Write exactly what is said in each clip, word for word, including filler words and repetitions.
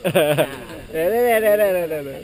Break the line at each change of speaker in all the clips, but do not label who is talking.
เด้เด้เด้เด้เด้เด้เด้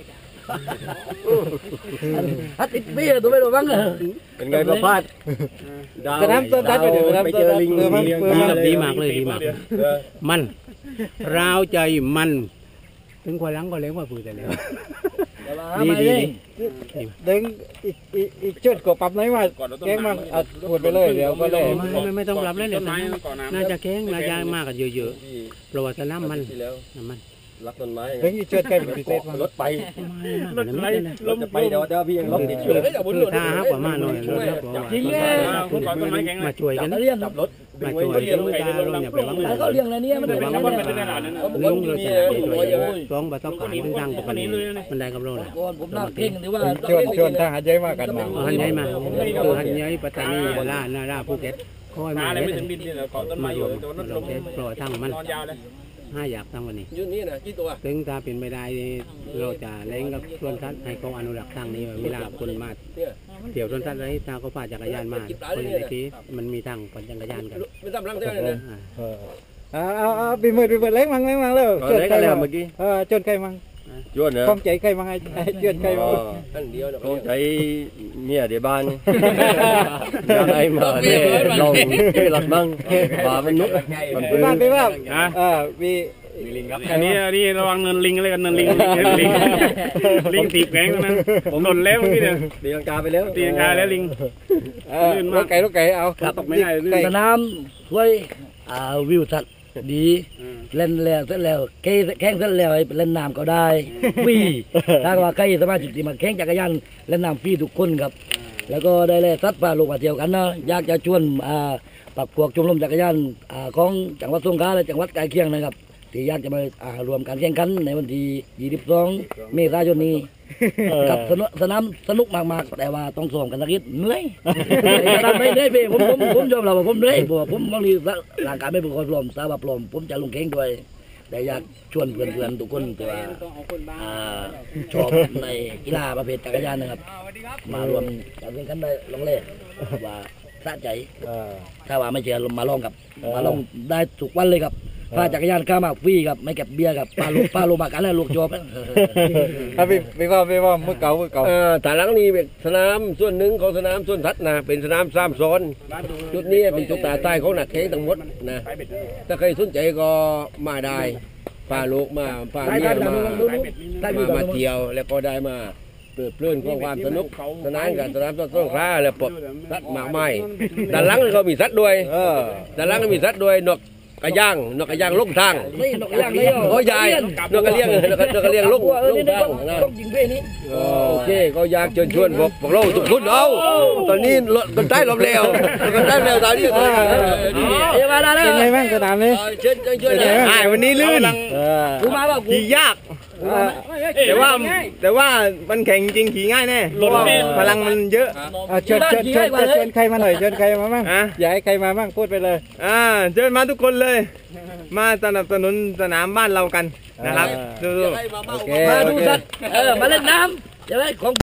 ฮัตติเบี้ยตัวไม่รู้บ้างเหรอเป็นไงประพาสสนามต้นทัดไปเดี๋ยวสนามต้นทัดดีมากเลยดีมากมันราวใจมันถึงควายหลังก็เลี้ยงว่าฝืนแต่แล้วดีดีเด้งอีกอีกอีกจุดก็ปรับไหนว่าแข้งมาอัดพูดไปเลยเดี๋ยวก็เลยไม่ไม่ต้องปรับเลยเลยน่าจะแข้งน่าจะมากกันเยอะๆเพราะว่าสนามมันน้ำมันรักต้นไม้เฮ้ยเชิดใกล้เป็นพิเศษรถไปรถไปรถจะไปเดี๋ยวเดี๋ยวพี่ยังรถติดอยู่คือถ้าฮักกว่ามาหน่อยรถฮักกว่าจริงเลยมาช่วยกันจับรถมาช่วยกันตาเราเนี่ยไปวังเลยเขาเลี้ยงอะไรเนี่ยมันไปวังเลยลุงเราจะร้องบาต้องการเป็นดังปกติมันได้กับเราเลยผมน่าเก่งหรือว่าชวนชวนทหารใหญ่มากันมาทหารใหญ่มาคือทหารใหญ่ปัตตานียะลานาราภูเก็ตคอยมาเลยมารวมเราเทสปล่อยทั้งมันห้าอยากตั้งวันนี้ยืนนี่นะกี่ตัวถึงถ้าเป็นไม่ได้เราจะเล้งกับส่วนทัศน์ให้เขาอนุรักษ์ทางนี้เวลาคนมาเดี๋ยวส่วนทัศน์อะไรตาเขาพาจักรยานมาคนในที่มันมีทางปั่นจักรยานกันไม่ทำรังเท่านั้นเลยเอาเอาเอาปีมือปีมือเล้งมังเล้งมังเลยจนใครเมื่อกี้เออจนใครมังจนเนอะคงใจใครมังไอ้จนใครมังคงใจเมียเดี๋ยวบ้านยังไงมาเนี่ยลงที่หลักมังว่ามันนุ๊กมันเป็นบ้านไปว่าอ่าวีลิงครับอันนี้อันนี้ระวังเนินลิงอะไรกันเนินลิงลิงลิงตีแข็งนะผมหล่นแล้วพี่เนี่ยตีลังกาไปแล้วตีลังกาแล้วลิงลื่นมากไก่ลูกไก่เอาตกไม่ได้สนามถ้วยอ่าวิวทัศน์ดีเล่นแล้วเสร็จแล้วแข่งเสร็จแล้วเล่นน้ำก็ได้ฟรีถ้าว่าใครสมาชิกที่มาแข่งจักรยานเล่นน้ำฟรีทุกคนครับแล้วก็ได้แล่สัตว์ป่าลูกมาเที่ยวกันนะอยากจะชวนอ่าปักพวกชมรมจักรยานอ่าของจังหวัดสงขลาและจังหวัดใกล้เคียงนะครับที่อยากจะมาอ่ารวมการแข่งขันในวันที่ยี่สิบสองเมษายนนี้กับสนามสนุกมากๆแต่ว่าต้องซ้อมกันสักนิดเหนื่อยไม่ได้พี่ผมผมผมยอมรับว่าผมเหนื่อยเพราะผมบางทีร่างกายไม่เป็นคนพร้อมสาวพร้อมผมจะลงแข่งด้วยแต่อยากชวนเพื่อนๆทุกคนแต่ว่าชอบในกีฬาประเภทจักรยานนะครับมารวมการแข่งขันได้ลองเล่ว่าสะใจถ้าว่าไม่เชื่อมาลองกับมาลองได้ทุกวันเลยครับพาจักรยานข้ามาฟรีครับไม่เก็บเบียร์กับปลาลูกปลาลูกบากันแล้วลูกจบครับพี่พี่ว่าพี่ว่ามือเก่ามือเก่าฐานหลังนี้เป็นสนามส่วนหนึ่งของสนามส่วนทัดนะเป็นสนามสามโซนจุดนี้เป็นจุดตาใต้ของนักแข่งทั้งหมดนะถ้าใครสนใจก็มาได้พาลูกมาพาเมียมามามาเที่ยวแล้วก็ได้มาเปิดเพลินของความสนุกสนานกับสนามต้นต้นคล้าแล้วปลดสัตว์หมากไม้ด้านหลังก็มีสัตว์ด้วยด้านหลังก็มีสัตว์ด้วยนกกระย่างนกกระย่างลุกทางนกกระย่างเลยโอ้ยายนกกระเลี้ยงนกกระเลี้ยงลุกลุกทางนะโอเคก็อยากเชิญชวนพวกพวกเราทุกคนเอาตอนนี้กันใต้ลมเร็วกันใต้เร็วตอนนี้เดี๋ยวมาแล้วเป็นไงบ้างสนามนี้เชิญเชิญวันนี้ลื่นขี่ยากแต่ว่าแต่ว่ามันแข่งจริงขี่ง่ายแน่พลังมันเยอะเชิญเชิญเชิญเชิญใครมาหน่อยเชิญใครมาบ้างอยากให้ใครมาบ้างพูดไปเลยอ่าเชิญมาทุกคนเลยมาสนับสนุนสนามบ้านเรากันนะครับดูมาดูสัตว์เออมาเล่นน้ำจะได้ของ